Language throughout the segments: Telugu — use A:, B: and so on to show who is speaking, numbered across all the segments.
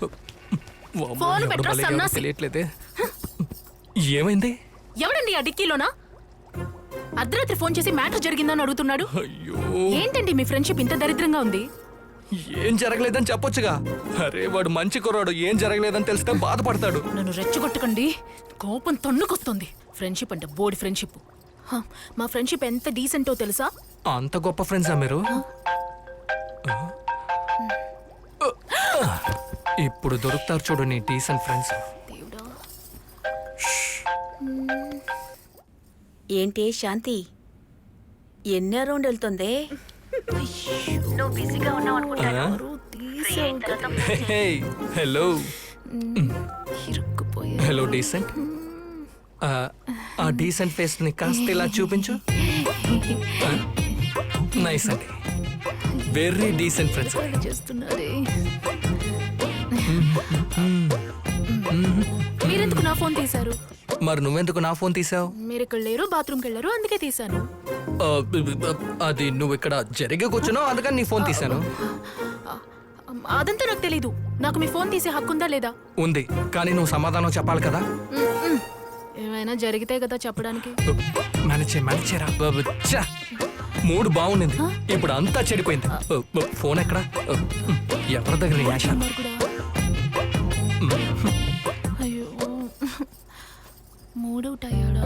A: ఫోన్ పెట్టరా సన్నాసి.
B: తెలియట్లేదే. ఏమైంది?
A: ఎవడండి ఆ డిక్కీలోనా? అర్ధరాత్రి ఫోన్ చేసి మ్యాటర్ జరిగిందని అడుగుతున్నాడు.
B: అయ్యో,
A: ఏంటండి మీ ఫ్రెండ్షిప్ ఇంత దరిద్రంగా ఉంది?
B: ఏం జరగలేదని చెప్పొచ్చుగా. అరే వాడు మంచి కుర్రాడు, ఏం జరగలేదని తెలిస్తే బాధపడతాడు.
A: నన్ను రెచ్చగొట్టకండి, కోపం తన్నుకొస్తుంది. ఫ్రెండ్షిప్ అంటే బోడి ఫ్రెండ్షిప్. మా ఫ్రెండ్షిప్ ఎంత డీసెంటో తెలుసా?
B: అంత గొప్ప ఫ్రెండ్సా మీరు? ఇప్పుడు దొరుకుతారు చూడు నీ డీసెంట్ ఫ్రెండ్స్.
A: దేవుడా.
C: ఏంటి శాంతి, ఎన్నో రౌండ్ వెళ్తుంది? నువ్వు బిజీగా ఉన్నావు అనుకుంటా.
B: హలో
A: ఇరుక్కుపోయా.
B: Hello decent. ఆ డీసెంట్ ఫేస్ ని కాస్త ఇలా చూపించు. నైస్ అండి, వెరీ డీసెంట్ ఫ్రెండ్స్.
A: చేస్తున్నారే. మీరెందుకు నా ఫోన్ తీశారు?
B: మరి నువ్వెందుకు నా ఫోన్ తీసావు?
A: మీరు ఇక్కడ లేరు, బాత్రూమ్కి వెళ్ళారు, అందుకే తీశాను.
B: అది నువ్వు ఇక్కడ జరిగే కూర్చున్నావు, అందుకని నీ ఫోన్ తీశాను.
A: అదంతా నాకు తెలీదు. నాకు మీ ఫోన్ తీసే హక్కుందా లేదా?
B: ఉంది, కానీ నువ్వు సమాధానం చెప్పాలి కదా.
A: ఏమైనా జరిగితే కదా చెప్పడానికి.
B: మేనేజరా మూడు బాగుండింది, ఇప్పుడు అంతా చెడిపోయింది. ఫోన్ ఎక్కడ? ఎవరి దగ్గర? యాష.
A: అయ్యో, మూడవుట్ అయ్యాడా?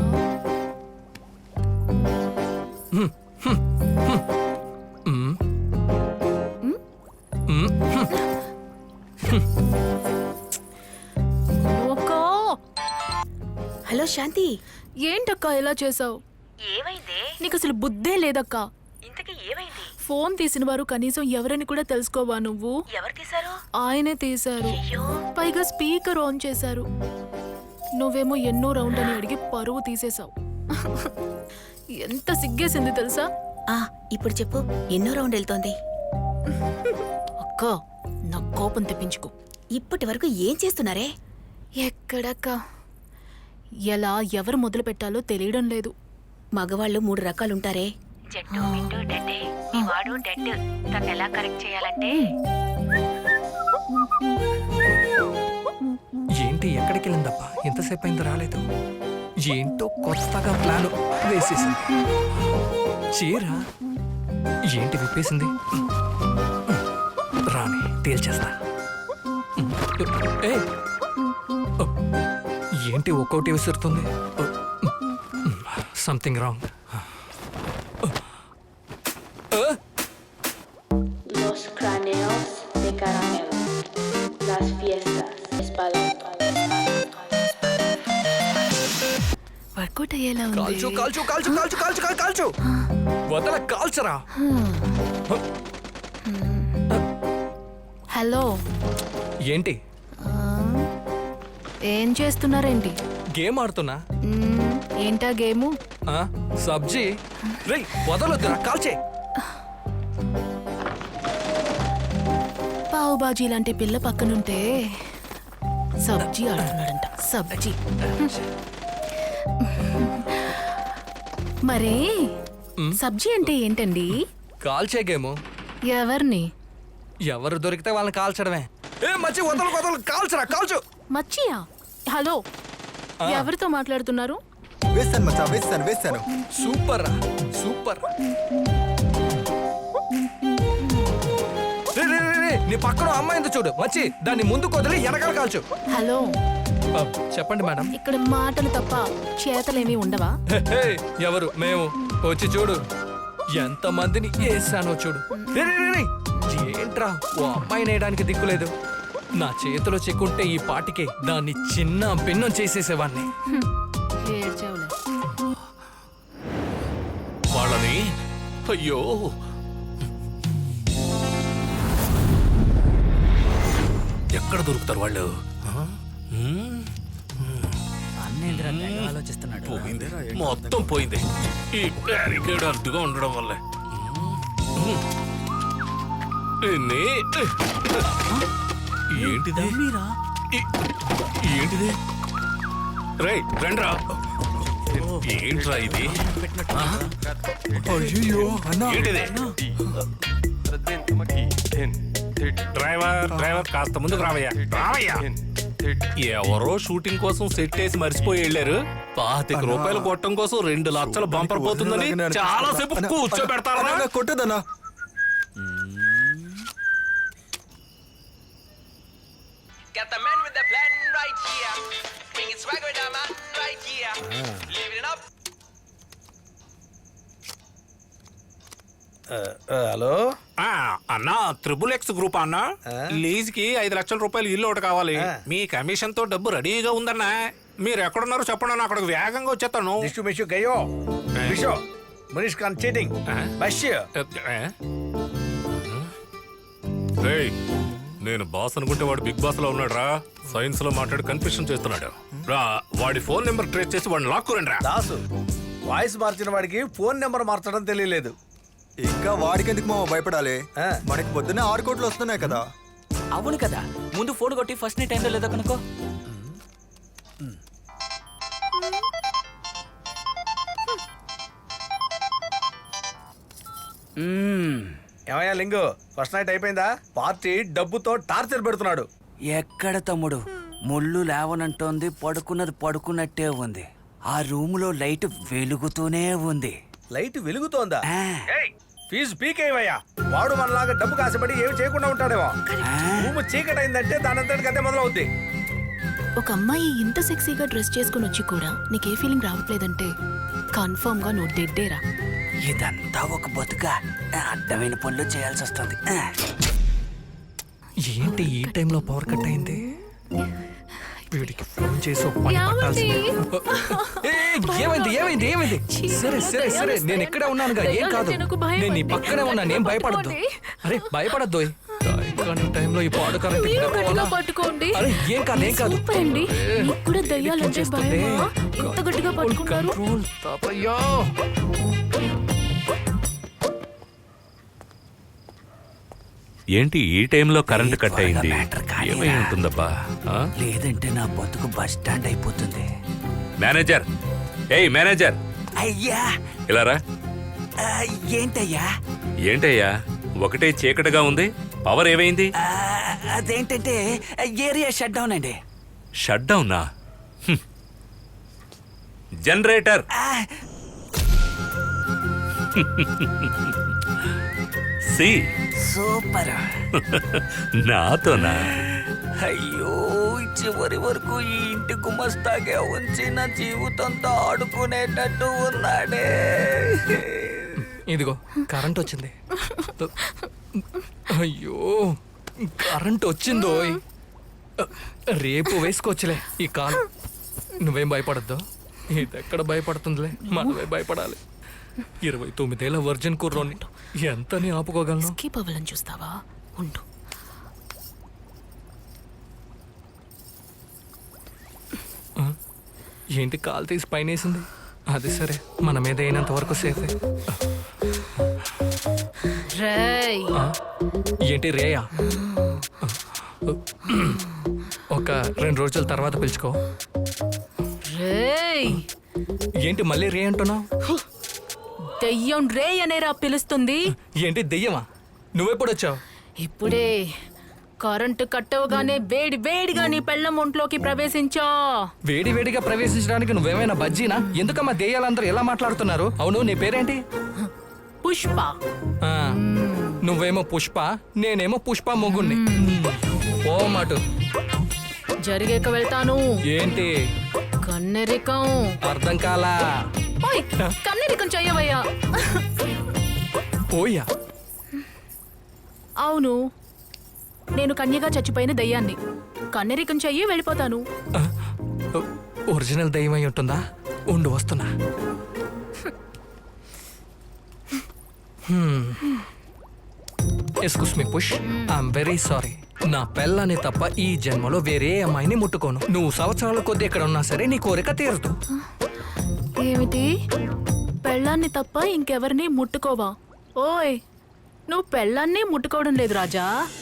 C: హలో శాంతి,
A: ఏంటక్క ఇలా చేసావు?
C: ఏమైంది?
A: నీకు అసలు బుద్ధే లేదక్క.
C: ఇంతకీ ఏమైంది?
A: ఫోన్ తీసిన వారు కనీసం ఎవరని కూడా తెలుసుకోవా నువ్వు?
C: ఎవరు తీశారు?
A: ఆయనే తీశారు, పైగా స్పీకర్ ఆన్ చేశారు. నువ్వేమో ఎన్నో రౌండ్ అని అడిగి పరువు తీసేశావు. ఎంత సిగ్గేసింది తెలుసా?
C: ఇప్పుడు చెప్పు, ఎన్నో రౌండ్ వెళ్తోంది?
A: అక్క, నా కోపం తెప్పించుకో.
C: ఇప్పటి వరకు ఏం చేస్తున్నారే?
A: ఎక్కడక్క, ఎలా ఎవరు మొదలు పెట్టాలో తెలియడం లేదు.
C: మగవాళ్ళు 3 రకాలుంటారే.
D: జట్టు మిట్టు డెడ్. మీ వాడు డెడ్. తను ఎలా కరెక్ట్ చేయాలంటే
B: ఏంటి ఎక్కడికి వెళ్ళిందబ్బా? ఎంతసేపు అయింది రాలేదు. ఏంటో కొత్తగా ప్లాన్ వేసేసింది. చీర ఏంటి విప్పేసింది? రాని తేల్చేస్తా. ఏంటి ఒక్కోటి విసురుతుంది? Something wrong.
E: Los cráneos de caramelo. Las fiestas. Espalda.
A: Workout అయ్యేలా
B: కాల్చు
A: ఉంది.
B: కాల్చు కాల్చు కాల్చు కాల్చు కాల్చు కాల్చు వదల, కాల్చరా.
A: హలో,
B: ఏంటి
A: ఏం చేస్తున్నారేంటి?
B: గేమ్ ఆడుతున్నా.
A: ఏంటా గేము?
B: సబ్జీ. రేయ్ వదలొద్దురా, కాల్చే.
A: పావు బాజీ లాంటి పిల్ల పక్కనుంటే సబ్జీ ఆడుతున్నాడంట. సబ్జీ. మరే సబ్జీ అంటే ఏంటండి?
B: కాల్చే గేము.
A: ఎవరిని?
B: ఎవరు దొరికితే వాళ్ళని కాల్చడమే. మచ్చి వదలు వదలు, కాల్చరా కాల్చు.
A: మచ్చియా? హలో, ఎవరితో మాట్లాడుతున్నారు?
F: వేస్తాను మచ్చా, వేస్తాను.
B: సూపర్ రా, సూపర్. నీ పక్కన అమ్మాయింది చూడు, మచ్చి దాన్ని ముందుకు వదిలి వెనకాల కాల్చు.
A: హలో,
B: చెప్పండి మేడం.
A: ఇక్కడ మాటలు తప్ప చేతలేమీ ఉండవా?
B: ఎవరు? మేము. వచ్చి చూడు ఎంత మందిని వేసానో చూడు. ఏంట్రా ఓ అమ్మాయిని వేయడానికి దిక్కులేదు. నా చేతిలో చెక్కుంటే ఈ పాటికే దాన్ని చిన్న భిన్నం చేసేసేవాడిని.
A: ఏడ్చావులే.
G: వాళ్ళని అయ్యో ఎక్కడ దొరుకుతారు వాళ్ళు?
H: ఆలోచిస్తున్నాడు.
G: మొత్తం పోయింది. ఈ బ్యారికేడ్ అడ్డుగా ఉండడం వల్లే. ఏంటిది? ఏంటిది? రేయ్ రండ్రా. ఏంట్రా ఇది?
F: అయ్యో అన్నా,
G: ఏంటిది? డ్రైవర్ కాస్త ముందుకు రావయ్యా. ఎవరో షూటింగ్ కోసం సెట్ వేసి మర్చిపోయి వెళ్ళారు. 25 రూపాయలు కొట్టడం కోసం 2 లక్షల బంపర్ పోతుందని చాలా సేపు కూర్చోబెడతారా?
F: అన్నా, కొట్టదన్నా.
H: Got the man with the plan right here. Bringing swag with the man right here. Living it up.
I: Hello
G: అన్నా XXX గ్రూప్ అన్నా, లీజ్ కి 5 లక్షల రూపాయలు ఇల్లు ఒకటి కావాలి. మీ కమిషన్ తో డబ్బు రెడీగా ఉందన్నా. మీరు ఎక్కడున్నారో చెప్పండి అన్న, అక్కడికి వేగంగా వచ్చేస్తాను.
I: దిష్టు మిషు గయో మిషో మునిష్ ఖాన్ చీటింగ్ బస్
G: రేయ్, నేను బాస్ అనుకుంటే వాడు బిగ్ బాస్ లో ఉన్నాడు రా. సైన్స్ లో మాట్లాడి కన్ఫ్యూషన్ చేస్తున్నాడు రా. వాడి ఫోన్ నెంబర్ ట్రేస్ చేసి వాడిని లాక్కురండి రా.
I: దాసు వాయిస్ మార్చిన వాడికి ఫోన్ నెంబర్ మార్చడం తెలియలేదు.
F: ఇంకా వాడికెందుకు మామ భయపడాలి? మనకి పొద్దున్నే 6 కోట్లు వస్తున్నాయి కదా.
H: అవును కదా, ముందు ఫోన్ కొట్టి ఫస్ట్ నీ టైంలో లేదో కనుకో.
I: ఏమయ్యా లింగు, ఫస్ట్ నైట్ అయిపోయిందా? పార్టీ డబ్బుతో టార్చర్ పెడుతున్నాడు.
H: ఎక్కడ తమ్ముడు, ముళ్ళు లేవనంటోంది, పడుకున్నది పడుకున్నట్టే ఉంది. ఆ రూములో లైట్ వెలుగుతూనే ఉంది.
I: లైట్ వెలుగుతోందా?
H: ఆ.
I: ఏయ్, ఫీజు పీకేవయ్యా. వాడు మనలాగా డబ్బు కాసపడి ఏమి చేయకుండా ఉంటాడేమో. రూము చీకటైందంటే దానంతటికి అదే మొదలవుద్ది.
A: ఒక అమ్మాయి ఇంత సెక్సీగా డ్రెస్ చేసుకుని వచ్చి కూడా నీకే ఫీలింగ్ రావట్లేదంటే కన్ఫర్మ్ గా నువ్వు డెడ్డేరా.
H: ఇదంతా ఒక బతుక, అడ్డమైన పనులు చేయాల్సి వస్తుంది.
B: ఏంటి ఈ టైంలో పవర్ కట్ అయింది? వీడికి ఫోన్ చేసి ఒక పని పట్టాల్సింది. ఏమైంది ఏమైంది ఏమైంది? సరే సరే సరే, నేను ఇక్కడే ఉన్నానుగా, ఏం కాదు. నేను నీ పక్కనే ఉన్నాను, ఏం భయపడద్దు. అరే భయపడద్దు. టైంలో ఈ పాడు కరెంట్
A: పట్టుకోండి.
B: అరే ఏం కాదు ఏం కాదు.
A: సూపర్ అండి. మీకు కూడా దయ్యాలంటే భయమా? ఎంత గట్టిగా పట్టుకున్నారు?
B: కంట్రోల్ తాతయ్యా.
G: ఏంటి ఈ టైంలో కరెంట్ కట్ అయింది?
H: మ్యాటర్ కానీ
G: ఏమై ఉంటుందబ్బా? ఆ?
H: లేదంటే నా బతుకు బస్ స్టాండ్ అయిపోతుంది.
G: మేనేజర్, ఏయ్ మేనేజర్,
H: అయ్యా
G: ఇలా రా.
H: ఏంటయ్యా?
G: ఏంటయ్యా ఒకటే చీకటిగా ఉంది, పవర్ ఏమైంది?
H: అదేంటంటే ఏరియా షట్ డౌన్ అండి.
G: షట్ డౌనా? జనరేటర్. సి
H: సూపర్.
G: నాతోనా?
H: అయ్యో, చివరి వరకు ఈ ఇంటి గుమస్తాగా ఉంచి నా జీవితంతో ఆడుకునేటట్టు ఉన్నాడే.
B: ఇదిగో కరెంట్ వచ్చింది. అయ్యో కరెంట్ వచ్చిందో. రేపు వేసుకోవచ్చులే ఈ కాలు. నువ్వేం భయపడద్దు. ఇది ఎక్కడ భయపడుతుందిలే, మనమే భయపడాలి. 29 ఏళ్ల వర్జిన్ కుర్రోని ఎంతని ఆపుకోగలను?
A: స్కిప్ అవ్వాలని చూస్తావా? ఉండు.
B: ఏంటి కాలు తీసి పైనేసింది? అది సరే, మన మీద అయినంత వరకు సేఫే.
A: రేయ్,
B: ఏంటి రేయా? ఒక 2 రోజుల తర్వాత పిలుచుకో.
A: రేయ్,
B: ఏంటి మళ్ళీ రే అంటున్నావు?
A: దెయ్యం రే అనేరా పిలుస్తుంది.
B: ఏంటి దెయ్యమా? నువ్వెప్పుడు వచ్చావు?
A: ఇప్పుడే కరెంటు కట్టవగానే వేడి వేడిగా నీ పెళ్ళం ఒంట్లోకి ప్రవేశించా.
B: వేడి వేడిగా ప్రవేశించడానికి నువ్వేమైనా బజ్జీనా? ఎందుకమ్మా దెయ్యాలందరూ ఎలా మాట్లాడుతున్నారు? అవును, నీ పేరేంటి?
A: పుష్ప.
B: ఆ, నువ్వేమో పుష్ప, నేనేమో పుష్ప మొగుణ్ణి. ఓ మాటు
A: జరిగాక వెళ్తాను.
B: ఏంటి
A: కన్నెరికం.
B: అర్థం కాలా?
A: ఓయ్, కన్నెరికం చెయ్యవయ్యా.
B: ఓయ్యా?
A: అవును, నేను కన్యగా చచ్చిపోయిన దయ్యాన్ని. కన్నెరికం చెయ్యి, వెళ్ళిపోతాను.
B: ఒరిజినల్ దయ్యం అయి ఉంటుందా? ఉండు వస్తున్నా. Excuse me push, I'm very sorry. నా పెళ్ళని తప్ప ఈ జన్మలో వేరే అమ్మాయిని ముట్టుకోను. నువ్వు సంవత్సరాల కొద్ది ఎక్కడ ఉన్నా సరే నీ కోరిక తీరదు.
A: ఏమిటి? పెళ్ళాన్ని తప్ప ఇంకెవరిని ముట్టుకోవా? ఓయ్, నువ్వు పెళ్ళాన్ని ముట్టుకోవడం లేదు రాజా.